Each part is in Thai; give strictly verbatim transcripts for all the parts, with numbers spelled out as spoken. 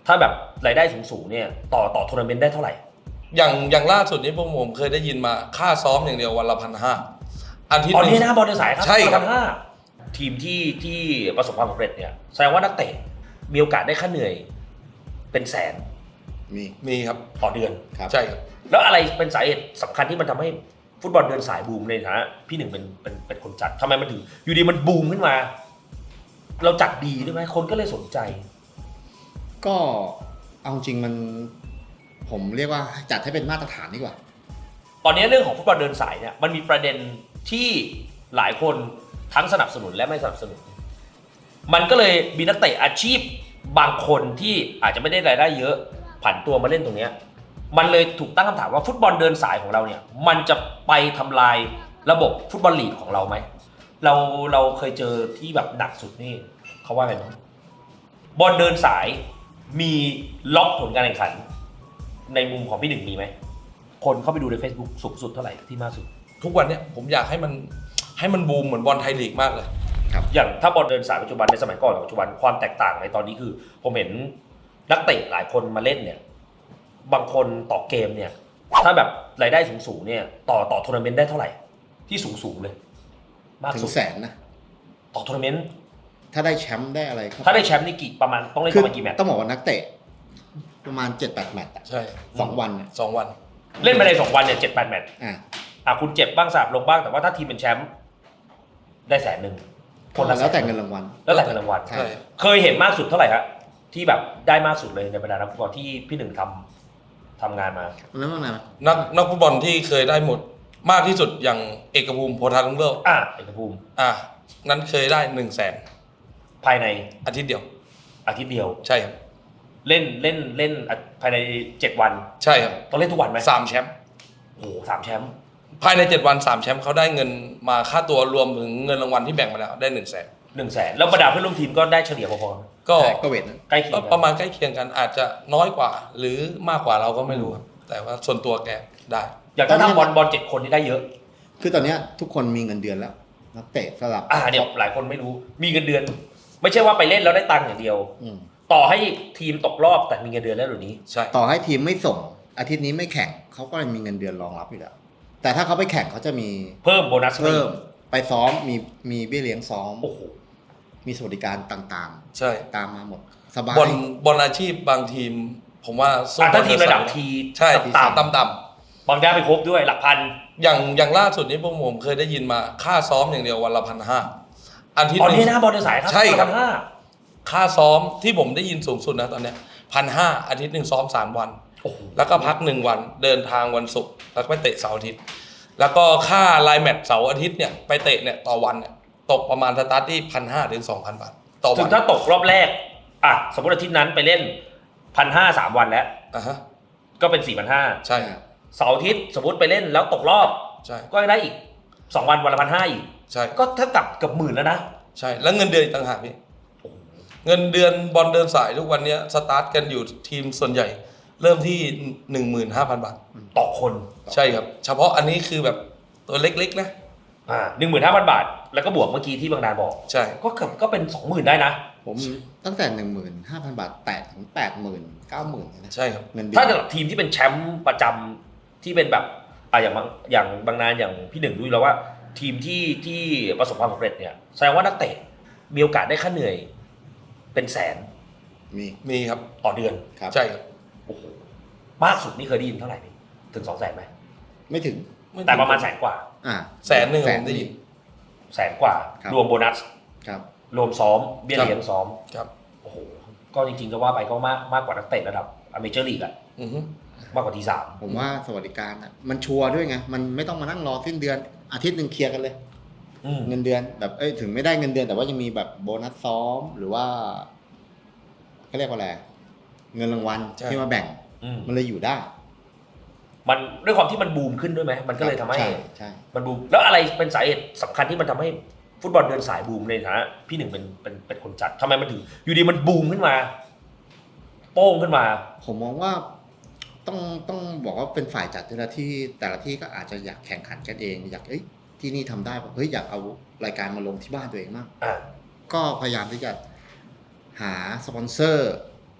ถ้าแบบรายได้สูงๆเนี่ยต่อต่อทัวร์นาเมนต์ได้เท่าไหร่อย่างอย่างล่าสุดนี้พวกผมเคยได้ยินมาค่าซ้อมอย่างเดียววันละพันห้าอาทิตย์ตอนนี้นะบอลเดินสายครับใช่ครับห้าทีมที่ที่ประสบความสำเร็จเนี่ยแสดงว่านักเตะมีโอกาสได้ค่าเหนื่อยเป็นแสนมีมีครับต่อเดือนใช่ครับแล้วอะไรเป็นสาเหตุสำคัญที่มันทำให้ฟุตบอลเดินสายบูมในฐานะพี่หนึ่งเป็นเป็นเป็นคนจัดทำไมมันถึงอยู่ดีมันบูมขึ้นมา เราจัดดีด้วยไหมคนก็เลยสนใจก็เอาจริงมันผมเรียกว่าจัดให้เป็นมาตรฐานดีกว่าตอนนี้เรื่องของฟุตบอลเดินสายเนี่ยมันมีประเด็นที่หลายคนทั้งสนับสนุนและไม่สนับสนุนมันก็เลยมีนักเตะอาชีพบางคนที่อาจจะไม่ได้รายได้เยอะผันตัวมาเล่นตรงนี้มันเลยถูกตั้งคำถามว่าฟุตบอลเดินสายของเราเนี่ยมันจะไปทำลายระบบฟุตบอลลีกของเราไหมเราเราเคยเจอที่แบบหนักสุดนี่เขาว่าไงบ้างบอลเดินสายมีล็อกผลการแข่งขันในมุมของพี่หนึ่งมีไหมคนเข้าไปดูใน Facebook สูงสุดเท่าไหร่ที่มากสุดทุกวันเนี้ยผมอยากให้มันให้มันบูมเหมือนบอลไทยลีกมากเลยครับอย่างถ้าบอลเดินสายปัจจุบันในสมัยก่อนกับปัจจุบันความแตกต่างในตอนนี้คือผมเห็นนักเตะหลายคนมาเล่นเนี่ยบางคนต่อเกมเนี่ยถ้าแบบรายได้สูงๆเนี่ยต่อต่อทัวร์นาเมนต์ได้เท่าไหร่ที่สูงๆเลยมากสุดถึงแสนนะต่อทัวร์นาเมนต์ถ้าได้แชมป์ได้อะไรถ้าได้แชมป์นี่กี่ประมาณต้องเล่นประมาณกี่แมตช์ต้องบอกว่านักเตะประมาณ เจ็ดแปด แมตช์ใช่สองวันสองวันเล่นไปในสองวันเนี่ยเจ็ดแปดแมตช์อ่าอ่ะคุณเจ็บบ้างสาบลงบ้างแต่ว่าถ้าทีมเป็นแชมป์ได้แสนหนึ่งคนละแล้วแต่เงินรางวัลแล้วแต่เงินรางวัลเคยเห็นมากสุดเท่าไหร่ครับที่แบบได้มากสุดเลยในบรรดานักฟุตบอลที่พี่หนึ่งทำทำงานมาแล้วว่าไงนักนักฟุตบอลที่เคยได้หมดมากที่สุดอย่างเอกภูมิโพธารุ่งเรืองอ่ะเอกภูมิอ่ะนั้นเคยได้หนึ่งแสนภายในอาทิตย์เดียวอาทิตย์เดียวใช่ครับเล่นเล่นเล่นภายในเจ็ดวันใช่ครับต้องเล่นทุกวันไหมสามแชมป์โอ้สามแชมป์ภายในเจ็ดวันสามแชมป์เขาได้เงินมาค่าตัวรวมถึงเงินรางวัลที่แบ่งมาแล้วได้หนึ่งแสนหนึ่งแสนแล้วบรรดาเพื่อนร่วมทีมก็ได้เฉลี่ยพอๆก็ก็เวทใกล้เคียงประมาณใกล้เคียงกันอาจจะน้อยกว่าหรือมากกว่าเราก็ไม่รู้ครับแต่ว่าส่วนตัวแกได้อย่างถ้าทำบอลบอลเจ็ดคนนี่ได้เยอะคือตอนนี้ทุกคนมีเงินเดือนแล้วนักเตะสลับอ่าเดี๋ยวหลายคนไม่รู้มีเงินเดือนไม่ใช่ว่าไปเล่นแล้วได้ตังค์อย่างเดียวต่อให้ทีมตกรอบแต่มีเงินเดือนแล้วหรือนี้ใช่ต่อให้ทีมไม่ส่งอาทิตย์นี้ไม่แข่งเขาก็มีเงินเดือนรองรับอยู่แล้วแต่ถ้าเขาไปแข่งเขาจะมีเพิ่มโบนัสเพิ่มไปซ้อมมีมีเบี้ยเลี้ยงซ้อมโอ้โหมีสวัสดิการต่างๆใช่ตามมาหมดสบายบอลบอลอาชีพบางทีมผมว่าถ้าทีมระดับทีใช่ต่ำต่ำบางได้ไปครบด้วยหลักพันอย่างอย่างล่าสุดนี้พวกผมเคยได้ยินมาค่าซ้อมอย่างเดียววันละพันห้าอาทิตย์ตอนนี้นะบอลเดินสายครับใช่ครับค่าซ้อมที่ผมได้ยินสูงสุดนะตอนนี้พันห้าอาทิตย์หนึ่งซ้อมสามวันแล้วก็พักหนึ่งวันเดินทางวันศุกร์แล้วก็ไปเตะเสาร์อาทิตย์แล้วก็ค่าไลน์แมตช์เสาร์อาทิตย์เนี่ยไปเตะเนี่ยต่อวันเนี่ยตกประมาณสตาร์ทที่พันห้าถึงสองพันบาทต่อวันถึงถ้าตกรอบแรกอ่ะสมมติอาทิตย์นั้นไปเล่นพันห้าสามวันแล้วอ่ะฮะก็เป็นสี่พันห้าใช่เสาร์อาทิตย์สมมติไปเล่นแล้วตกรอบใช่ก็ได้อีกสองวันวันละพันห้าอีกใช่ก็เท่ากับเกือบหมื่นแล้วนะใช่แล้วเงินเดือนอีกต่างหากพี่เงินเดือนบอลเดินสายทุกวันนี้สตาร์ทกันอยู่ทีมส่วนใหญ่เริ่มที่ หนึ่งหมื่นห้าพัน บาทต่อคนใช่ครับเฉพาะอันนี้คือแบบตัวเล็กๆนะอ่า หนึ่งหมื่นห้าพัน บาทแล้วก็บวกเมื่อกี้ที่บางนาบอกใช่ก็เกือบก็เป็น สองหมื่น ได้นะผมตั้งแต่ หนึ่งหมื่นห้าพัน บาทแตะถึง แปดหมื่น เก้าหมื่น นะใช่ครับเงินเดือนถ้าสำหรับทีมที่เป็นแชมป์ประจำที่เป็นแบบอ่าอย่างบางอย่างบางนาอย่างพี่หนึ่งรู้แล้วว่าทีมที่ที่ประสบความสำเร็จเนี่ยแสดงว่านักเตะมีโอกาสได้ค่าเหนื่อยเป็นแสนมีมีครับต่อเดือนใช่ครับโอ้โหมากสุดนี่เคยได้ยินเท่าไหร่ถึงสองแสนไหมไม่ถึงแต่ประมาณแสนกว่าอ่าแสนหนึ่งผมได้ยินแสนกว่ารวมโบนัสครับรวมซ้อมเบี้ยเลี้ยงซ้อมครับโอ้โหก็จริงๆก็ว่าไปก็มากมากกว่านักเตะระดับอเมเจอร์ลีกอ่ะมากกว่าทีสามผมว่าสวัสดิการอ่ะมันชัวร์ด้วยไงมันไม่ต้องมานั่งรอสิ้นเดือนอาทิตย์นึงเคลียร์กันเลยเงินเดือนแบบเอ้ยถึงไม่ได้เงินเดือนแต่ว่ายังมีแบบโบนัสซ้อมหรือว่าเขาเรียกว่าอะไรเงินรางวัลที่มาแบ่งมันเลยอยู่ได้มันด้วยความที่มันบูมขึ้นด้วยไหมมันก็เลยทำให้ใช่ใช่มันบูมแล้วอะไรเป็นสาเหตุสำคัญที่มันทำให้ฟุตบอลเดินสายบูมในฐานะพี่หนึ่งเป็นเป็นเป็นคนจัดทำไมมันถึงอยู่ดีมันบูมขึ้นมาโป้งขึ้นมาผมมองว่าต้องต้องบอกว่าเป็นฝ่ายจัดแต่ละที่แต่ละที่ก็อาจจะอยากแข่งขันกันเองอยากเอ้ยที่นี่ทำได้ป่ะเฮ้ยอยากเอารายการมาลงที่บ้านตัวเองมากก็พยายามที่จะหาสปอนเซอร์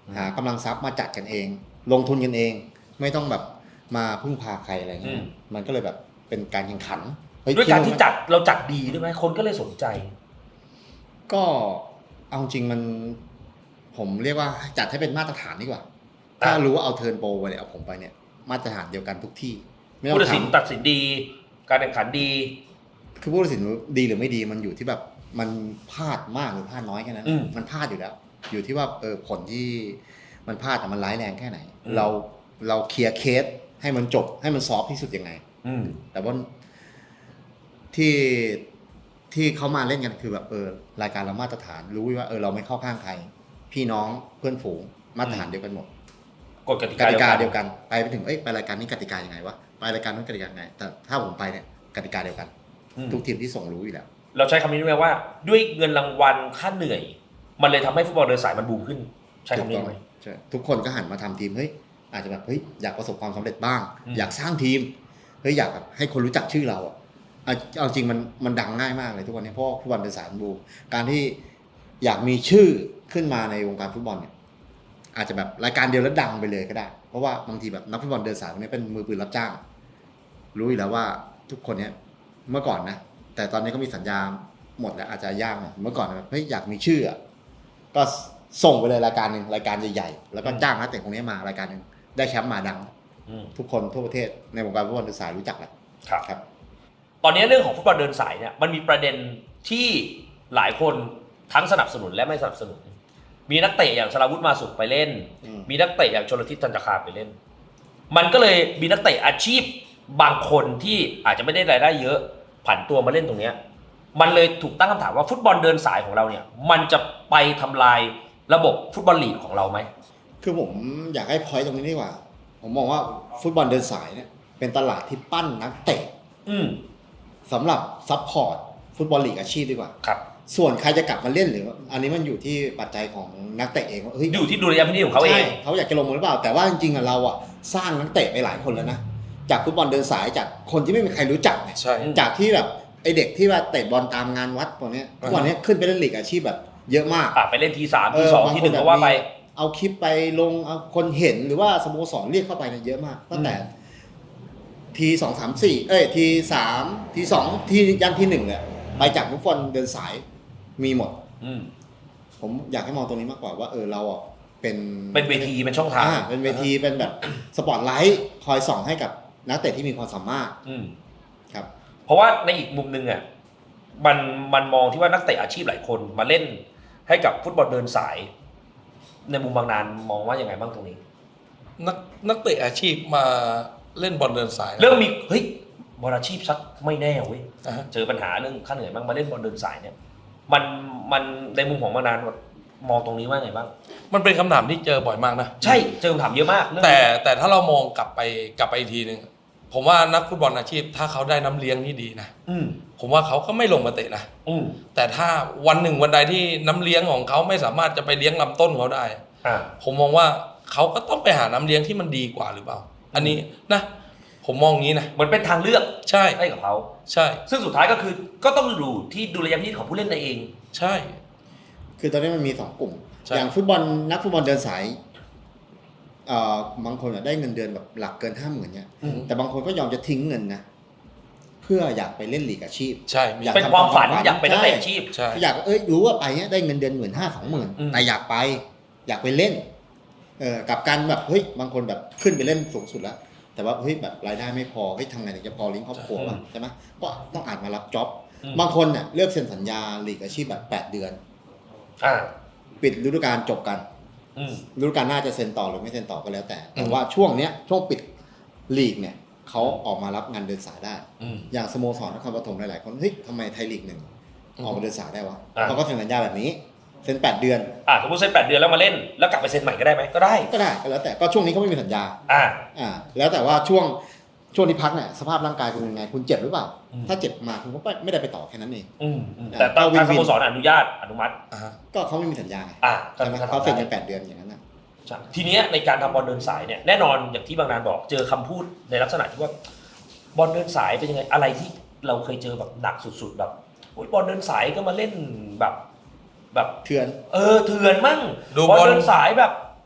หากำลังทรัพย์มาจัดกันเอง ลงทุนกันเอง ไม่ต้องแบบมาพึ่งพาใครอะไรเงี้ยมันก็เลยแบบเป็นการแข่งขันด้วยการที่จัดเราจัดดีด้วยไหมคนก็เลยสนใจก็เอาจริงมันผมเรียกว่าจัดให้เป็นมาตรฐานดีกว่าถ้ารู้ว่าเอาเทิร์นโปรไปเนี่ยเอาผมไปเนี่ยมาตรฐานเดียวกันทุกที่ผู้ตัดสินตัดสินดีการแข่งขันดีคือผู้ตัดสินดีหรือไม่ดีมันอยู่ที่แบบมันพลาดมากหรือพลาดน้อยแค่นั้นมันพลาดอยู่แล้วอยู่ที่ว่าเออผลที่มันพลาดแต่มันร้ายแรงแค่ไหนเราเราเคลียร์เคสให้มันจบให้มันซอฟที่สุดยังไงแต่ว่าที่ที่เขามาเล่นกันคือแบบเออรายการเรามาตรฐานรู้ว่าเออเราไม่เข้าข้างใครพี่น้องเพื่อนฝูงมาตรฐานเดียวกันหมดกฎกติกาเดียวกันไปไปถึงเอ้ยไปรายการนี้กติกายังไงวะไปรายการนู้นกติกายังไงแต่ถ้าผมไปเนี่ยกติกาเดียวกันทุกทีมที่ส่งรู้อยู่แล้วเราใช้คำนี้ไหมว่าด้วยเงินรางวัลค่าเหนื่อยมันเลยทำให้ฟุตบอลเดินสายมันบูมขึ้นใช้คำนี้ไหมใช่ทุกคนก็หันมาทำทีมเฮ้ยอาจจะแบบเฮ้ยอยากประสบความสำเร็จบ้างอยากสร้างทีมเฮ้ยอยากแบบให้คนรู้จักชื่อเราอ่ะเอาจริงมันมันดังง่ายมากเลยทุกวันนี้เพราะฟุตบอลเดินสายมันบูมการที่อยากมีชื่อขึ้นมาในวงการฟุตบอลเนี่ยอาจจะแบบรายการเดียวแล้วดังไปเลยก็ได้เพราะว่าบางทีแบบนักฟุตบอลเดินสายพวกนี้เป็นมือปืนรับจ้างรู้อยู่แล้วว่าทุกคนเนี้ยเมื่อก่อนนะแต่ตอนนี้ก็มีสัญญาหมดแล้วอาจจะยากหน่อยเมื่อก่อนแบบเฮ้ยอยากมีชื่อก็ส่งไปเลยรายการหนึ่งรายการใหญ่ๆแล้วก็จ้างนักเตะคนนี้มารายการหนึ่งได้แชมป์มาดังทุกคนทั่วประเทศในวงการฟุตบอลเดินสายรู้จักแหละครับตอนนี้เรื่องของฟุตบอลเดินสายเนี่ยมันมีประเด็นที่หลายคนทั้งสนับสนุนและไม่สนับสนุนมีนักเตะอย่างสราวุธมาสุขไปเล่นมีนักเตะอย่างชลทิศจันทคามไปเล่นมันก็เลยมีนักเตะอาชีพบางคนที่อาจจะไม่ได้รายได้เยอะผันตัวมาเล่นตรงนี้มันเลยถูกตั้งคำถามว่าฟุตบอลเดินสายของเราเนี่ยมันจะไปทำลายระบบฟุตบอลลีกของเราไหมคือผมอยากให้พอยต์ตรงนี้ดีกว่าผมมองว่าฟุตบอลเดินสายเนี่ยเป็นตลาดที่ปั้นนักเตะสำหรับซัพพอร์ตฟุตบอลลีกอาชีพดีกว่าครับส่วนใครจะกลับมาเล่นหรืออันนี้มันอยู่ที่ปัจจัยของนักเตะเองว่าเฮ้ยอยู่ที่ดุลยพินิจของเขาเองเขาอยากจะลงมือหรือเปล่าแต่ว่าจริงๆเราอ่ะสร้างนักเตะไปหลายคนแล้วนะจากฟุตบอลเดินสายจากคนที่ไม่มีใครรู้จักเนี่ยจากที่แบบไอเด็กที่ว่าเตะบอลตามงานวัดพวกนี้ทุกวันนี้ขึ้นไปเล่นลีกอาชีพแบบเยอะมากไปเล่นทีสามทีสองทีหนึ่งก็ว่าไปเอาคลิปไปลงเอาคนเห็นหรือว่าสโมสรเรียกเข้าไปเนี่ยเยอะมากตั้งแต่ทีสองสามสี่เอ้ยทีสามทีสองทียันทีหนึ่งเนี่ยไปจากฟุตบอลเดินสายมีหมดผมอยากให้มองตรงนี้มากกว่าว่าเออเราอ่ะเป็นเป็นเวทีเป็นช่องทางเป็นเวทีเป็นแบบสปอตไลท์คอยส่องให้กับนักเตะที่มีความสามารถครับเพราะว่าในอีกมุมนึงอ่ะมันมันมองที่ว่านักเตะอาชีพหลายคนมาเล่นให้กับฟุตบอลเดินสายในมุมบางนานมองว่ายังไงบ้างตรงนี้นักนักเตะอาชีพมาเล่นบอลเดินสายเริ่มมีเฮ้ยบอลอาชีพสักไม่แน่เว้ยเจอปัญหาเรื่องค่าเหนื่อยบ้างมาเล่นบอลเดินสายเนี่ยมันมันในมุมของบางนานมองตรงนี้ว่าไงบ้างมันเป็นคำถามที่เจอบ่อยมากนะใช่เจอคำถามเยอะมากแต่แต่ถ้าเรามองกลับไปกลับไปอีกทีนึงผมว่านักฟุตบอลอาชีพถ้าเขาได้น้ำเลี้ยงที่ดีนะผมว่าเขาก็ไม่ลงมาเตะนะแต่ถ้าวันหนึ่งวันใดที่น้ำเลี้ยงของเขาไม่สามารถจะไปเลี้ยงลำต้นเขาได้ผมมองว่าเขาก็ต้องไปหาน้ำเลี้ยงที่มันดีกว่าหรือเปล่าอันนี้นะผมมองงี้นะเหมือนเป็นทางเลือกใช่ให้กับเขาใช่ซึ่งสุดท้ายก็คือก็ต้องดูที่ดุลยพินิจของผู้เล่นเองใช่คือตอนนี้มันมีสองกลุ่มอย่างฟุตบอลนักฟุตบอลเดินสายเอ่อบางคนได้เงินเดือนแบบหลักเกินห้าหมื่นเนี่ยแต่บางคนก็ยอมจะทิ้งเงินนะเพื่ออยากไปเล่นลีกอาชีพใช่เป็นความฝันอยากเป็นนักเตะอาชีพอยากเอ้ยรู้ว่าไปเนี้ยได้เงินเดือนหมื่นห้าสองหมื่นแต่อยากไปอยากไปเล่นเออกับการแบบเฮ้ยบางคนแบบขึ้นไปเล่นสูงสุดแล้วแต่ว่าเฮ้ยแบบรายได้ไม่พอเฮ้ยทำไงถึงจะพอเลี้ยงครอบครัวบ้างใช่ไหมก็ต้องอาจมารับจ็อบบางคนเนี่ยเลือกเซ็นสัญญาลีกอาชีพแบบแปดเดือนปิดฤดูกาลจบกันฤดูกาลหน้าจะเซ็นต่อหรือไม่เซ็นต่อก็แล้วแต่แต่ว่าช่วงเนี้ยช่วงปิดลีกเนี่ยเขาออกมารับงานเดินสายได้อย่างสโมสรนครปฐมหลายๆคนเฮ้ยทำไมไทยลีกหนึ่งออกมาเดินสายได้วะเขาก็เซ็นสัญญาแบบนี้เซ็นแปดเดือนอ่าสมมติเซ็นแปดเดือนแล้วมาเล่นแล้วกลับไปเซ็นใหม่ก็ได้ไหมก็ได้ก็ได้ก็แล้วแต่ก็ช่วงนี้เขาไม่มีสัญญาอ่าอ่าแล้วแต่ว่าช่วงช่วงที่พักเนี่ยสภาพร่างกายคุณยังไงคุณเจ็บหรือเปล่าถ้าเจ็บมาคุณก็ไม่ได้ไปต่อแค่นั้นเองแต่ทางสโมสรอนุญาตอนุมัติก็เขาไม่มีสัญญาอ่าเขาเซ็นกันแปดเดือนอย่างนั้นนะทีนี้ในการทำบอลเดินสายเนี่ยแน่นอนอย่างที่บางนานบอกเจอคำพูดในลักษณะที่ว่าบอลเดินสายเป็นยังไงอะไรที่เราเคยเจอแบบหนักสุดๆแบบโอ๊ยบอลเดินสายก็มาเล่นแบบแบบเถื่อนเออเถื่อนมั่งบอลเดินสายแบบ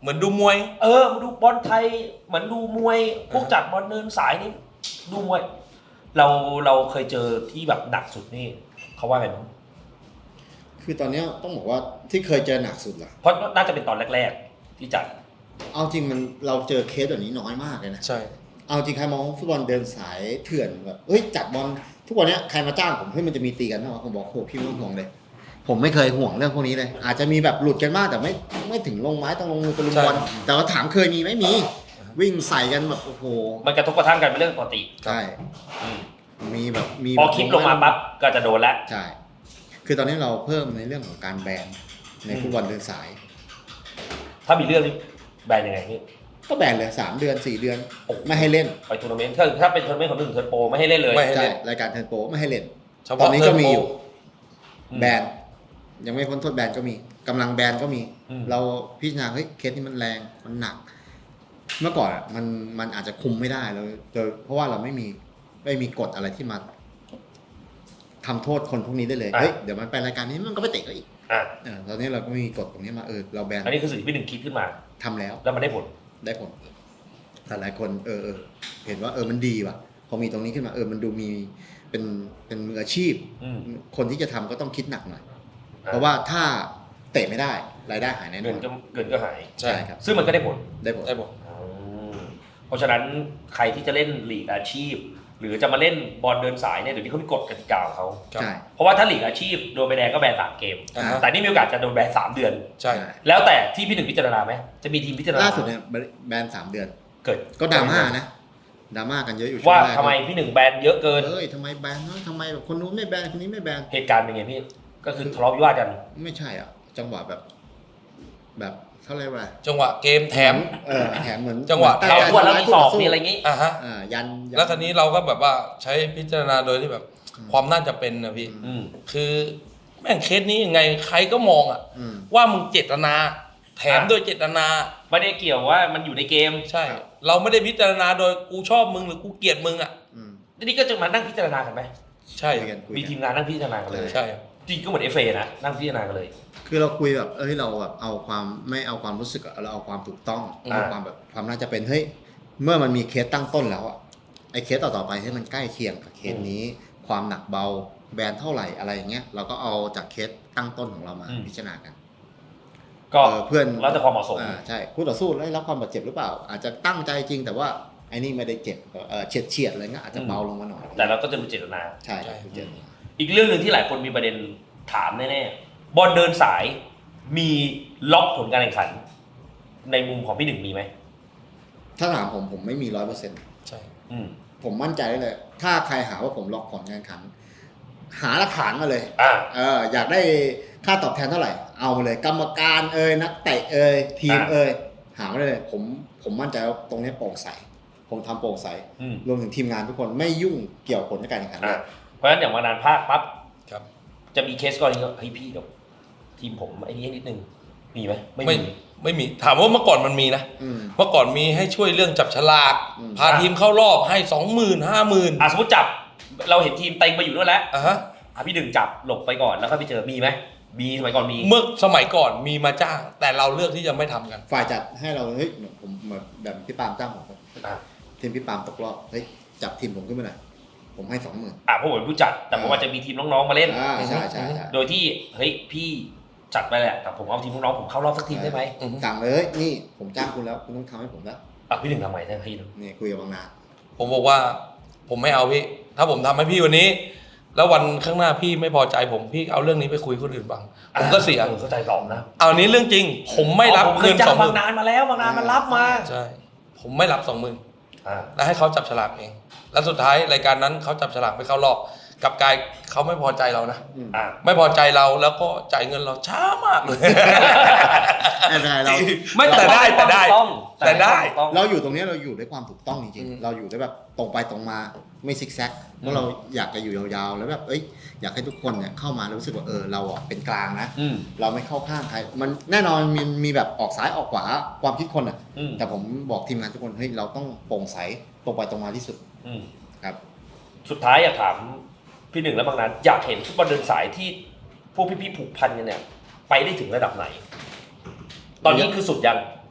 เหมือนดูมวยเออมาดูบอลไทยเหมือนดูมวยพวกจัดบอลเดินสายนี่ดูมวย เราเราเคยเจอที่แบบหนักสุดนี่เขาว่าไงบ้างคือตอนเนี้ยต้องบอกว่าที่เคยเจอหนักสุดล่ะเพราะน่าจะเป็นตอนแรกๆที่จัดเอาจริงมันเราเจอเคสแบบนี้น้อยมากเลยนะใช่เอาจริงใครมองฟุตบอลเดินสายเถื่อนแบบเฮ้ยจัดบอลทุกวันเนี้ยใครมาจ้างผมเฮ้ยมันจะมีตีกันนะผมบอกโหพี่ไม่ต้องห่วงเลย ผมไม่เคยห่วงเรื่องพวกนี้เลย อาจจะมีแบบหลุดกันมากแต่ไม่ไม่ถึงลงไม้ต้องลงมือตะลุมบอลแต่ว่าถามเคยมีไหมมี วิ่งใส่กันแบบโอ้โหมันกระทบกระทั่งกันเป็นเรื่องปกติใช่อืมมีแบบมีพอคลิปลงมาปั๊บก็จะโดนแล้วใช่คือตอนนี้เราเพิ่มในเรื่องของการแบนในฟุตบอลเดินสายถ้ามีเรื่องนี้แบนยังไงนี่ก็แบนเลยสามเดือนสี่เดือนโอ้โหไม่ให้เล่นไปทัวร์นาเมนต์ถ้าถ้าเป็นทัวร์นาเมนต์ของหนึ่งเทิร์นโปรไม่ให้เล่นเลยไม่ให้ใช่เล่นรายการเทิร์นโปรไม่ให้เล่นเฉตอพาะนนี้เทิก็ร์นมีโปรอยู่อืมแบนยังไม่พ้นโทษแบนก็มีกำลังแบนก็มีอืมเราพิจารณาเฮ้ยเคสนี้มันแรงมันหนัก เมื่อก่อนอะมันมันอาจจะคุมไม่ได้เราโดยเพราะว่าเราไม่มีไม่มีกฎอะไรที่มาทำโทษคนพวกนี้ได้เลยเฮ้ยเดี๋ยวมันไปรายการนี้มันก็ไปเตะก็อีกอ่ะเออตอนนี้เราก็มีกฎตรงนี้มาเออเราแบนอันนี้คือสิ่งที่พี่หนึ่งคิดขึ้นมาทำแล้วแล้วมันได้ผลได้ผลแต่หลายคนเออเออเห็นว่าเออมันดีว่ะพอมีตรงนี้ขึ้นมาเออมันดูมีเป็นเป็นมืออาชีพอืมคนที่จะทำก็ต้องคิดหนักหน่อยอ่ะเพราะว่าถ้าเตะไม่ได้รายได้หายแน่นเงิอน นก็เงินก็หายใช่ครับซึ่งมันก็ได้ผลได้ผลได้บอกอืมเพราะฉะนั้นใครที่จะเล่นลีกอาชีพ หรือจะมาเล่นบอลเดินสายเนี่ยเดี๋ยวนี้เขามีกฎกติกาของเขาครับใช่เพราะว่าถ้าลีกอาชีพโดนใบแดงก็แบนสามเกมอ่าฮะแต่นี่มีโอกาสจะโดนแบนสามเดือนใช่แล้วแต่ที่พี่หนึ่งพิจารณาไหมจะมีทีมพิจารณาล่าสุดเนี่ยแบนสามเดือนเกิดก็ดราม่านะดราม่ากันเยอะอยู่ช่วว่างแรกทำไมพี่หนึ่งแบนเยอะเกินเอ้ยทำไมแบนเนอะทำไมแบบคนนู้นไม่แบนคนนี้ไม่แบนเหตุการณ์เป็นไงพี่ ก็คือทะเลาะวิวาทกันไม่ใช่อ่ะ จังหวะแบบ แบบเขาเรียกว่าจังหวะเกมแถมเออแถมเหมือนจังหวะตั้เขาใจพวดแล้วทำร้ายมีศอกคู่ต่สู้มีอะไรงี้อ่ะฮะอ่ายันยันแล้วคราวนี้เราก็แบบว่าใช้พิจารณาโดยที่แบบอืมความน่าจะเป็นนะพี่อืมคือแม่งเคสนี้ยังไงใครก็มองอ่ะอืมว่ามึงเจตนา แถมอ่ะโดยเจตนาไม่ได้เกี่ยวว่ามันอยู่ในเกมใช่ครับเราไม่ได้พิจารณาโดยกูชอบมึงหรือกูเกลียดมึงอ่ะอืมทีนี้ก็จะมานั่งพิจารณากันไหมใช่คุยกันคุยมีกันทีมงานนั่งพิจารณากันเลยใช่จริงก็เหมือนเอฟเอนะนั่งพิจารณากันเลยคือเราคุยแบบเอ้ยเราแบบเอาความไม่เอาความรู้สึกอะเราเอาความถูกต้องอ่าเอาความแบบความน่าจะเป็นเฮ้ยเมื่อมันมีเคสตั้งต้นแล้วอะไอ้เคสต่อๆไปให้มันใกล้เคียงกับเคสนี้ ความหนักเบาแบนเท่าไหร่อะไรอย่างเงี้ยเราก็เอาจากเคสตั้งต้นของเรามาพิจารณากันก็เออเพื่อนแล้วแต่ความเหมาะสมอ่าใช่คู่ต่อสู้ได้รับความบาดเจ็บหรือเปล่า อาจจะตั้งใจจริงแต่ว่าไอ้นี่ไม่ได้เจ็บเออเฉียดเฉียดๆอะไรเงี้ยอาจจะเบาลงมาหน่อยแต่เราก็จะดูเจตนาใช่ครับเจ็บอีกเรื่องหนึ่งที่หลายคนมีประเด็นถามแน่ๆบอลเดินสายมีล็อกผลการแข่งขัน ในมุมของพี่หนึ่งมีไหมถ้าถามผมผมไม่มีร้อยเปอร์เซ็นต์ใช่อืมผมมั่นใจได้เลย ถ้าใครหาว่าผมล็อกผลการแข่งขัน หาหลักฐานมาเลยอ่าเอออยากได้ค่าตอบแทนเท่าไหร่ เอามาเลย กรรมการเอ่ยนักเตะเอ่ยทีมอ่าเอ่ยหามาได้เลย ผมผมมั่นใจว่าตรงนี้โปร่งใส ผมทำโปร่งใสอืมรวมถึงทีมงานทุกคนไม่ยุ่งเกี่ยวกับผลการแข่งขันเลอ่าย เพราะฉะนั้นอย่างมานานภาคปั๊บครับจะมีเคสกรณีก็เฮ้ยพี่เดี๋ยวทีมผมไอ้นี่นิดนึงมีไหมไม่ไม่มีไม่มีถามว่าเมื่อก่อนมันมีนะอืมเมื่อก่อนมีให้ช่วยเรื่องจับฉลากอืมพาทีมเข้ารอบให้สองหมื่นห้าหมื่นอ่ะสมมติจับเราเห็นทีมเต็งไปอยู่ด้วยแล้วอ่ะฮะอ่ะพี่หนึ่งจับหลบไปก่อนแล้วก็ไปเจอมีไหมมีสมัยก่อนมีเมื่อสมัยก่อนมีมาจ้าง แต่เราเลือกที่จะไม่ทำกันฝ่ายจัดให้เราเฮ้ยเหมือนผมเหมือนแบบพี่ปาล์มจ้างผมครับอ่ะทีมพี่ปาล์มตกรอบเฮ้ยจับทีมผมขึ้นมาหน่อยผมให้สองหมื่นอ่ะเพราะผมเป็นผู้จัดแต่ผมอาจจะมีทีมน้องๆมาเล่นอ่าใช่ใช่ใช่โดยที่เฮ้ยพี่จัดไปแหละแต่ผมเอาทีมน้องๆผมเข้ารอบสักทีมได้ไหมอือฮึสั่งเลยเฮ้ยนี่ผมจ้างคุณแล้วคุณต้องทำให้ผมแล้วอ่ะพี่หนึ่งทำไมท่านพี่นี่คุยกับบางนาผมบอกว่าผมไม่เอาพี่ ถ้าผมทำให้พี่วันนี้ แล้ววันข้างหน้าพี่ไม่พอใจผมพี่เอาเรื่องนี้ไปคุยคนอื่นบ้างผมก็เสียออเข้าใจตอบนะเอานี้เรื่องจริง ผมไม่รับผมเคเงิยนจ้าสอง งหบามื่งนนานมาแล้วบางนานมันรับมาใช่ ผมไม่รับสองหมื่นอ่าแล้วให้เขาจับฉลากเอง แล้วสุดท้ายรายการนั้นเขาจับฉลากไปเข้ารอบกลับกลายเขาไม่พอใจเรานะอืมอ่าไม่พอใจเราแล้วก็จ่ายเงินเราช้ามากเลยไม่เป็นไรเราไม่แต่ได้แต่ได้ต้องแต่ได้ต้องเราอยู่ตรงนี้เราอยู่ด้วยความถูกต้องจริงอืมๆ เราอยู่ด้วยแบบตรงไปตรงมาไม่ซิกแซกเพราะเราอยากจะอยู่ยาวๆ แล้วแบบเอ้ยอยากให้ทุกคนเนี่ยเข้ามาแล้วรู้สึกว่าเออเราอ่ะเป็นกลางนะอืมเราไม่เข้าข้างใคร มันแน่นอนมีมีแบบออกซ้ายออกขวาความคิดคนอ่ะอืมแต่ผมบอกทีมงานทุกคนเฮ้ยเราต้องโปร่งใสตรงไปตรงมาที่สุดอืมครับสุดท้ายอยากถามพี่หนึ่งและบางนั้นอยากเห็นฟุตบอลเดินสายที่พวกพี่ๆผูกพันกันเนี่ย ไปได้ถึงระดับไหน ตอนนี้คือสุดยัง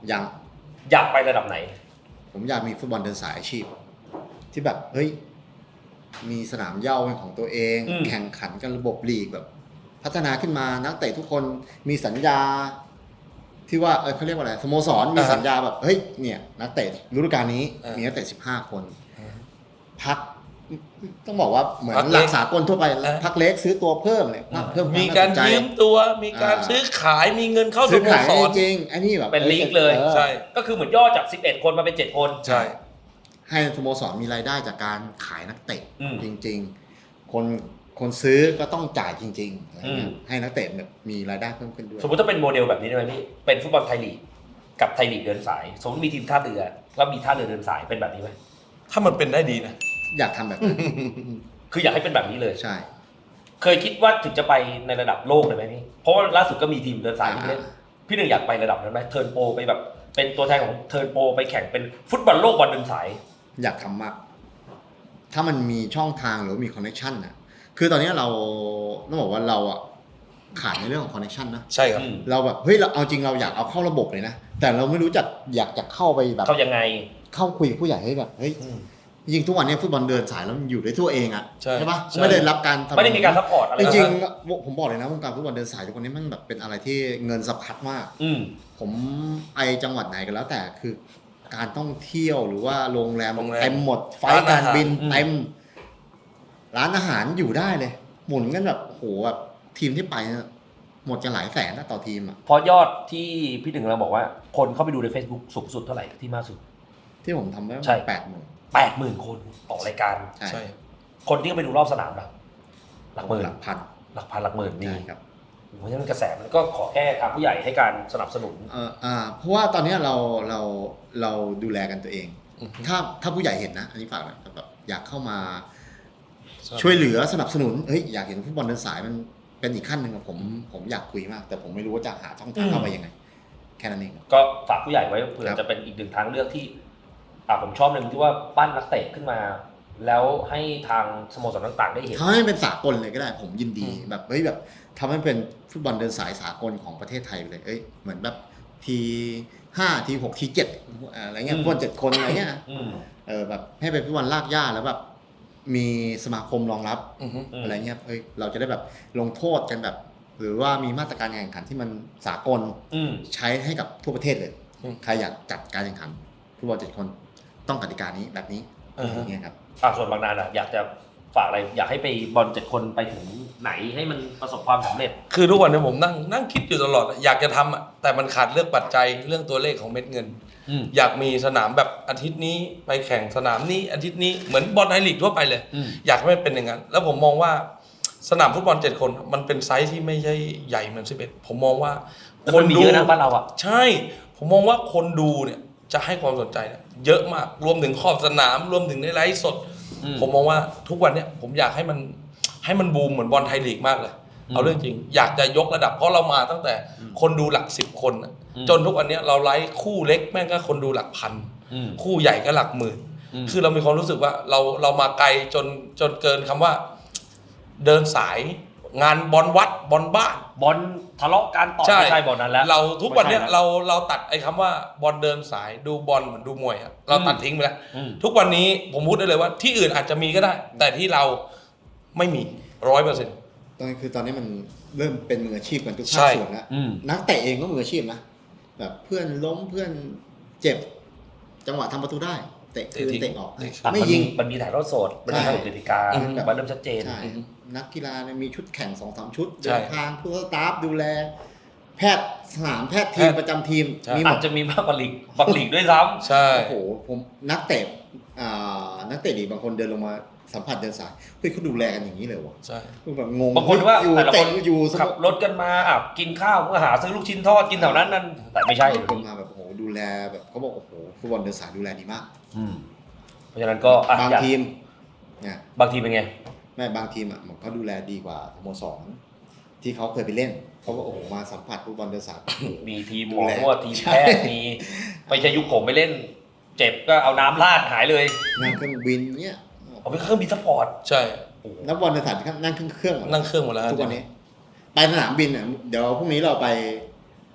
ยังอยากไประดับไหนผมอยากมีฟุตบอลเดินสายอาชีพ ที่แบบเฮ้ยมีสนามเหย้าเป็นของตัวเองอืมแข่งขันกันระบบลีกแบบ พัฒนาขึ้นมานักเตะทุกคนมีสัญญา ที่ว่าเออเขาเรียกว่าอะไรสโมสรมีอ่าฮะสัญญาแบบเฮ้ยเนี่ยนักเตะฤดูกาลนี้อ่ามีมีนักเตะสิบห้าคน พักต้องบอกว่าเหมือนพักหเล็ลักกสากลทั่วไปอ่าพักเล็กซื้อตัวเพิ่มเนี่ยเพิ่มควมีน่การสนใจยืมตัวมีการอ่าซื้อขายมีเงินเข้าสซื้อโมขายสรจริงๆอันนี้แบบเป็นลีกเลยออใช่ก็คือเหมือนย่อจากสิบเอ็ดคนมาเป็นเจ็ดคนใช่ให้สโมสรมีรายได้จากการขายนักเตะอืมจริง ๆ คนคนซื้อก็ต้องจ่ายจริงๆอะไรเงี้อืยมให้นักเตะแบบมีรายได้เพิ่มขึ้นด้วยสมมติถ้าเป็นโมเดลแบบนี้ได้ไหมพี่ เป็นฟุตบอลไทยลีกกับไทยลีกเดินสาย สมมติมีทีมท่าเรือแล้วมีท่าเรือเดินสายเป็นแบบนี้ไหมถ้ามันเป็นได้ดีนะอยากทำแบบนั้นคืออยากให้เป็นแบบนี้เลยใช่เคยคิดว่าถึงจะไปในระดับโลกเลยไหมพี่ เพราะว่าล่าสุดก็มีทีมเดินสายที่เล่น พี่หนึ่งอยากไประดับนั้นไหมเทิร์นโปรไปแบบเป็นตัวแทนของเทิร์นโปรไปแข่งเป็นฟุตบอลโลกบอลเดินสายอยากทำมาก ถ้ามันมีช่องทางหรือมีคอนเนคชันน่ะคือตอนนี้เราต้องบอกว่าเราอ่ะขาดในเรื่องของคอนเนคชันนะใช่ครับอืมเราแบบเฮ้ยเราเอาจริงเราอยากเอาเข้าระบบเลยนะ แต่เราไม่รู้จักอยากจะเข้าไปแบบเขายังไงเข้าคุยกับผู้ใหญ่ให้แบบเฮ้ยอืมจริงๆทุกวันนี้ฟุตบอลเดินสายแล้วมันอยู่ด้วยตัวเองอ่ะใช่ปะใช่ไม่ได้รับการไม่ได้มีการซัพพอร์ตอะไรจนะริงๆผมบอกเลยนะวงการฟุตบอลเดินสายทุกวันนี้มันแบบเป็นอะไรที่เงินสะพัดมากอืมผมไปจังหวัดไหนกันแล้วแต่คือการท่องเที่ยวหรือว่าโรงแรมโรงแรมเต็มหมดไฟล์การบินอืมเต็มร้านอาหารอยู่ได้เลย หมุนกันแบบโหแบบทีมที่ไปเนี่ยหมดจะหลายแสนนะต่อทีมอ่ะเพราะยอดที่พี่หนึ่งเราบอกว่า คนเข้าไปดูใน Facebook สูงสุดเท่าไหร่ที่มากสุดที่ผมทำไว้ใช่แปดหมื่นแปดหมื่นคนต่อรายการใช่ใช่คนที่เข้าไปดูรอบสนามล่ะหลักหมื่นหลักพันหลักพันหลักหมื่นนี่ใช่ครับเพราะฉะนั้นกระแสมันก็ขอแค่ทางผู้ใหญ่ให้การสนับสนุนเอ่ออ่าเพราะว่าตอนนี้เราเราเราดูแลกันตัวเองอือฮึถ้าถ้าผู้ใหญ่เห็นนะ อันนี้ฝากหน่อยแบบอยากเข้ามาใช่ช่วยเหลือสนับสนุนเฮ้ยอยากเห็นฟุตบอลเดินสายมันเป็นอีกขั้นหนึ่งอะผมผมอยากคุยมาก แต่ผมไม่รู้ว่าจะหาช่องทางเข้าไปยังไง แค่นั้นเองก็ฝากผู้ใหญ่ไว้เผื่อครับจะเป็นอีกหนึ่งทางเลือกที่อ่าผมชอบหนึ่งที่ว่าปั้นนักเตะขึ้นมา แล้วให้ทางสโมสรต่างๆ ได้เห็นทำให้เป็นสากลเลยก็ได้ผมยินดีอืมแบบเฮ้ยแบบทำให้เป็นฟุตบอลเดินสายสากลของประเทศไทยไปเลยเอ้ยเหมือนแบบทีห้าทีหกทีเจ็ดอะไรเงี้ยอืมฟุตบอลเจ็ดคนอะไรเงี้ยอืมเออแบบให้เป็นฟุตบอลลากย่าแล้วแบบมีสมาคมรองรับอือฮึอืมอะไรเงี้ยเอ้ยเราจะได้แบบลงโทษกันแบบ หรือว่ามีมาตรการการแข่งขันที่มันสากลอืมใช้ให้กับทั่วประเทศเลยอืมใครอยากจัดการแข่งขันฟุตบอลเจ็ดคนต้องกติกานี้แบบนี้อือฮึอย่างเงี้ยครับอ่าส่วนบางนาอ่ะอยากจะฝากอะไรอยากให้ไปบอลเจ็ดคนไปถึงไหนให้มันประสบความสำเร็จคือทุกวันนี้ผมนั่งนั่งคิดอยู่ตลอดอะอยากจะทำอ่ะแต่มันขาดเรื่องปัจจัยเรื่องตัวเลขของเม็ดเงินอืมอยากมีสนามแบบอาทิตย์นี้ไปแข่งสนามนี้อาทิตย์นี้เหมือนบอลไทยลีกทั่วไปเลยอืมอยากให้มันเป็นอย่างนั้น แล้วผมมองว่าสนามฟุตบอลเจ็ดคนมันเป็นไซส์ที่ไม่ใช่ใหญ่เหมือนสิบเอ็ดผมมองว่าแล้วมันมีเยอะนะบ้านเราอ่ะใช่ ผมมองว่าคนดูเนี่ยจะให้ความสนใจเนี่ยเยอะมากรวมถึงขอบสนามรวมถึงในไลฟ์สดอืมผมมองว่าทุกวันเนี่ยผมอยากให้มันให้มันบูมเหมือนบอลไทยลีกมากเลยอืมเอาเรื่องจริง อยากจะยกระดับเพราะเรามาตั้งแต่อืมคนดูหลักสิบคนน่ะอืมจนทุกวันเนี้ยเราไลฟ์คู่เล็กแม่งก็คนดูหลักพันอืมคู่ใหญ่ก็หลักหมื่นอืมคือเรามีความรู้สึกว่าเราเรามาไกลจนจนเกินคำว่า เดินสายงานบอลวัดบอลบ้านบอลทะเลาะกันต่อไม่ใช่บอลนั้นแล้วเราทุกวันเนี้ยไม่ใช่เราเราตัดไอ้คำว่าบอลเดินสายดูบอลเหมือนดูมวยอะเราตัดทิ้งไปแล้วอืมทุกวันนี้ผมพูดได้เลยว่าที่อื่นอาจจะมีก็ได้ แต่ที่เราไม่มีร้อยเปอร์เซ็นต์ตอนนี้คือตอนนี้มันเริ่มเป็นมืออาชีพกันทุกใช่ภาคส่วนแล้วอืมนักเตะเองก็มืออาชีพนะแบบเพื่อนล้มเพื่อนเจ็บ จังหวะทำประตูได้เตะคืนเตะออกเตะอ่ะไม่มันยิมีงมันมีถ่ายทอดสดมันมีใช่กฎกติกาอืมมันเริ่มชัดเจนใช่อือฮึนักกีฬาเนี่ยมีชุดแข่งสองสามชุดใช่เดินทางผู้สตาฟดูแล แพทย์สนามแพทย์ทีมแพทย์ประจำทีมใช่มีหมอาดจจะมีมากกว่าลีกบางลีกด้วยซ้ำใช่โอ้โหผมนักเตะอ่านักเตะดีกบางคนเดินลงมาสัมผัสเดินสายเฮ้ยเขาดูแลกันอย่างนี้เลยวะใช่แบบงงบางคนว่าอยู่แต่ละคนเตะอยู่สขับรถกันมาอ่ะกินข้าวก็หาซื้อลูกชิ้นทอดกินแถวนั้นนั่นแต่ไม่ใช่ผมมาแบบโอ้โหดูแลแบบเขาบอกโอ้โหฟุตบอลเดินสายดูแลดีมากอืมเพราะฉะนั้นก็อ่ะบางอยากทีมเนี่ยบางทีมเป็นไงแม่บางทีมอ่ะมันเขาดูแลดีกว่าสโมสรที่เขาเคยไปเล่นเขาก็โอ้โหมาสัมผัสฟุตบอลเดินสายมีทีมหดูมอแลนวดทีมแพทย์มีไม่ใช่ยุคผมไปเล่น เจ็บก็เอาน้ำราดหายเลยนั่งเครื่องบินเนี่ยเอาไปเครื่องบินสปอร์ตใช่นักบอลเดินสายนั่งเครื่องเครื่องหมดนั่งเครื่องหมดแล้วทุกวันนี้ไปสนามบินอ่ะเดี๋ยวพรุ่งนี้เราไป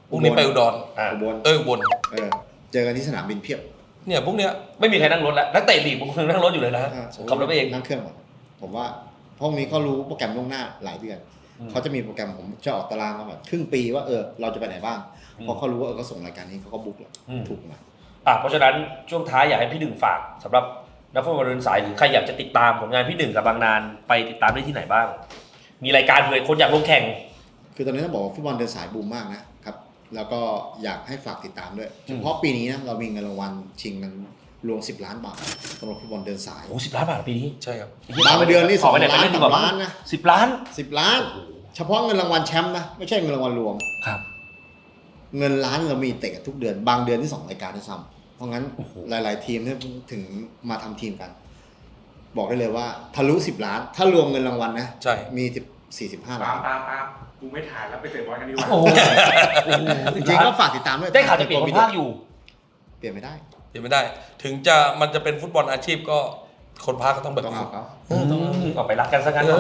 พรุ่งนี้ไปอุดรอ่าอุบลเอ้ยอุบลเออเจอกันที่สนามบินเพียบเนี่ยพวกเนี้ยไม่มีใครนั่งรถแล้วนักเตะลีกบางคนนั่งรถอยู่เลยนะอ่าขับรถไปเองนั่งเครื่องหมดผมว่าพวกนี้เขารู้โปรแกรมล่วงหน้าหลายเดือนอืมเขาจะมีโปรแกรมผมจะออกตารางมาแบบครึ่งปีว่าเออเราจะไปไหนบ้างอืมพอเขารู้ว่าเออเขาส่งรายการนี้เขาก็บุ๊กแล้วอืมถูกมาอ่ะเพราะฉะนั้นช่วงท้ายอยากให้พี่หนึ่งฝากสำหรับนักฟุตบอลเดินสายหรือใครอยากจะติดตามผลงานพี่หนึ่งกับบางนานไปติดตามได้ที่ไหนบ้าง มีรายการเผื่อคนอยากลงแข่งคือตอนนี้ต้องบอกว่าฟุตบอลเดินสายบูมมากนะครับแล้วก็อยากให้ฝากติดตามด้วยอืมเฉพาะปีนี้นะเรามีเงินรางวัลชิงกันรวมสิบล้านบาทสำหรับฟุตบอลเดินสายโอ้สิบล้านบาทปีนี้ใช่ครับบางเดือนนี่สองขไปไหล้านไปเดีกว่สามล้านนะสิบล้านสิบล้าน เฉพาะเงินรางวัลแชมป์นะไม่ใช่เงินรางวัลรวมครับเงินล้านเรามีเตะกันทุกเดือน บางเดือนที่สองรายการด้วยซ้ำเพราะงั้นหลาย ๆ ทีมเนี่ยถึงมาทำทีมกัน บอกได้เลยว่าทะลุสิบล้าน ถ้ารวมเงินรางวัลนะใช่มีสิบสี่สิบห้าปาล้านปาปากูไม่ถ่ายแล้วไปเตะบอลกันดีกว่าโอ้โหโอ้โหจริงๆก็ฝากติดตามด้วยได้ข่าวจะเปลี่ยนคนภาคอยู่เปลี่ยนไม่ได้เดี๋ยวไม่ได้ ถึงจะมันจะเป็นฟุตบอลอาชีพก็คนพาก็ต้องแบบต้องนี้เอาเขาต้องออกไปรักกันซะงั้นเออ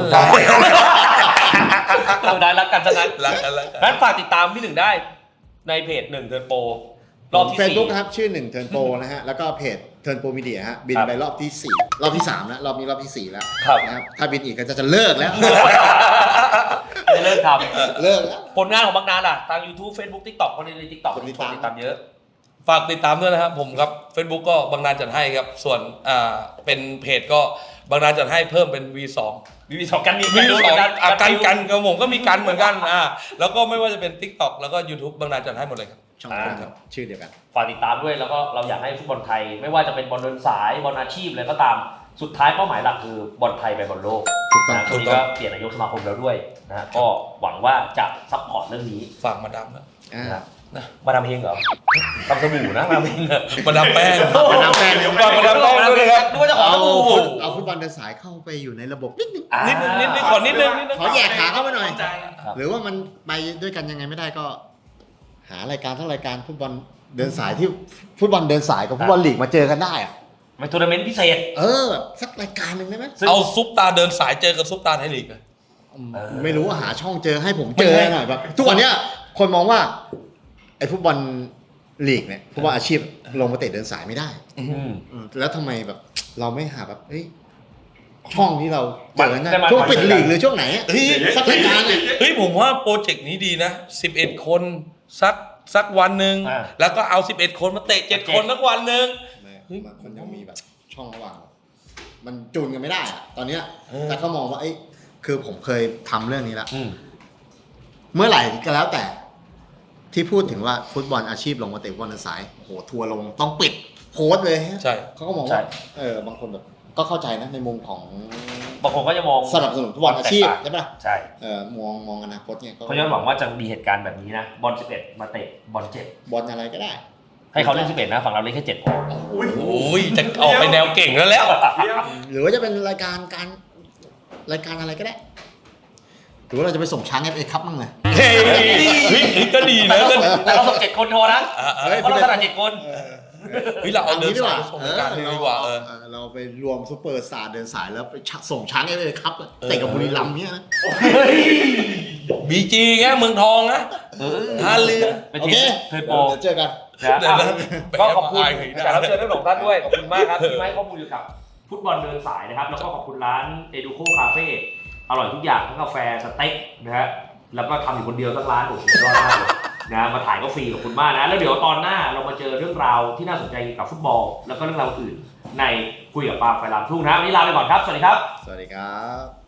เราได้รักกันซะงั้นรักกันรักกันงั้นฝากติดตามพี่หนึ่งได้ในเพจหนึ่งเทิร์นโปรรอบที่เฟซสี่บุ๊กครับชื่อหนึ่งเทิร์นโปรนะฮะแล้วก็เพจเทิร์นโปรมีเดียฮะบินครับไปรอบที่สี่รอบที่สามแล้วรอบนี้รอบที่สี่แล้วครับนะครับถ้าบินอีกก็จะจะเลิกแล้วจะเลิกทเลิกแล้วำผลงานของบางนานล่ะทาง YouTube Facebook TikTok คนใน TikTok คนกดติติดตามดตามเยอะฝากติดตามด้วยนะครับผมครับ Facebook ก็บางนานจัดให้ครับ ส่วนอ่าเป็นเพจก็บางนานจัดให้เพิ่มเป็น วี สองมีสองกันมีวี สองกันอ่ะกันกันกับผมก็มีกันเหมือนกันอ่าแล้วก็ไม่ว่าจะเป็น TikTok แล้วก็ YouTube บางนานจัดให้หมดเลยครับช่องทางครับชื่อเดียวกันฝากติดตามด้วยแล้วก็เราอยากให้ฟุตบอลไทย ไม่ว่าจะเป็นบอลเดินสายบอลอาชีพอะไรก็ตามสุดท้ายเป้าหมายหลักคือบอลไทยไปบอลโลกถูกต้องนะตรงนี้ก็เปลี่ยนนายกสมาคมแล้วด้วยนะก็หวังว่าจะซัพพอร์ตเรื่องนี้ฝากมาดามนะอ่านะครับนะมาดามเฮงเหรอทำสบู่นะมาดามเฮงเหรอมาดามแป้งมาดามแป้งฝากมาดามแป้งด้วยนะครับนึกว่าจะขอเอาสบู่ฟุตเอาฟุตบอลเดินสายเข้าไปอยู่ในระบบนิดนึงอ่านิดนึงนิดนึงขอนิดนึงนิดนึงขอแยกขาเข้ามาหน่อยใจครับหรือว่ามันไปด้วยกันยังไงไม่ได้ก็ หารายการทั้งรายการฟุตบอลเดินสายที่ฟุตบอลเดินสายกับฟุตบอลลีกมาเจอกันได้อะเป็นทัวร์นาเมนต์พิเศษเออแบบสักรายการหนึ่งได้ไหมซึ่งเอาซุปตาเดินสายเจอกับซุปตาไทยลีกนะเออไม่รู้ว่าหาช่องเจอให้ผมเจอหน่อยแบบทุกวันเนี้ยคนมองว่าไอ้ฟุตบอลลีกเนี่ยฟุตบอลอาชีพลงมาเตะเดินสายไม่ได้อืมเออแล้วทำไมแบบเราไม่หาแบบเฮ้ยช่องที่เราเจอกันได้ได้มาช่วงปิดลีกหรือช่วงไหนอะเฮ้ยสักรายการเนี่ยเฮ้ยผมว่าโปรเจกต์นี้ดีนะสิบเอ็ดคนสักสักวันหนึ่งอ่าแล้วก็เอาสิบเอ็ดคนมาเตะเจ็ดคนสักวันหนึ่ง เฮ้ยมันมันยังมีแบบช่องระหว่างมันจูนกันไม่ได้อะตอนเนี้ยเออแต่เขามองว่าเอ้ยคือผมเคยทำเรื่องนี้แล้วอืมเมื่อไหร่ก็แล้วแต่ ที่พูดถึงว่าฟุตบอลอาชีพลงมาเตะฟุตบอลเดินสายโอ้โหทัวร์ลงต้องปิดโพสต์เลยฮะใช่เขาก็มองใช่ว่าเออบางคนแบบก็เข้าใจนะในมุมของบางคนก็จะมองสนับสนุนฟุตบอลอาชีพแตกต่างใช่ปะใช่เออมองมองอนาคตเนี่ยก็เขาจะหวังว่าจะมีเหตุการณ์แบบนี้นะบอลสิบเอ็ดมาเตะบอลเจ็ดบอลอะไรก็ได้ให้เขาเล่นสิบเอ็ดนะฝั่งเราเล่นแค่เจ็ดพออุ้ยโอ้ยจะออกไปแนวเก่งแล้วแล้วเดี๋ยวหรือว่าจะเป็นรายการการรายการอะไรก็ได้ หรือว่าเราจะไปส่งช้างเอฟเอคัพมั่งเลยเฮ้ยเฮ้ยเฮ้ยก็ดีนะก็แต่เราส่งเจ็ดคนโทรนะอ่ะอ่ะเฮ้ยเพราะเราถนัดเจ็ดคนเฮ้ยเราเอาเดินดีกสาว่ายส่งการเลยดีกว่าเออเออเราไปรวมซูเปอร์สตาร์เดินสายแล้วไปส่งช้างเอฟเอคัพเตะกับบุรีรัมย์เนี่ยนะบีจีไงเมืองทองนะเออท่าเรือเป็นโอทีเคมเทิร์นโปรเดี๋ยวเจอกันนะเดี๋ยวนะก็ขอบคุณไปแอบอายใครได้แขกรับเชิญทั้งสองท่านด้วย ขอบคุณมากครับที่มาให้ข้อมูลเกี่ยวกับฟุตบอลเดินสายนะครับ แล้วก็ขอบคุณร้าน Educo Cafe อร่อยทุกอย่างทั้งกาแฟสเต็กนะฮะ แล้วก็ทำอยู่คนเดียวทั้งร้านโอ้โหสุดยอดมากเลยนะมาถ่ายก็ฟรีขอบคุณมากนะ แล้วเดี๋ยวตอนหน้าเรามาเจอเรื่องราวที่น่าสนใจเกี่ยวกับฟุตบอล แล้วก็เรื่องราวอื่นในคุยกับปาล์มไฟลามทุ่งนะวันนี้ลาไปก่อนครับ สวัสดีครับสวัสดีครับ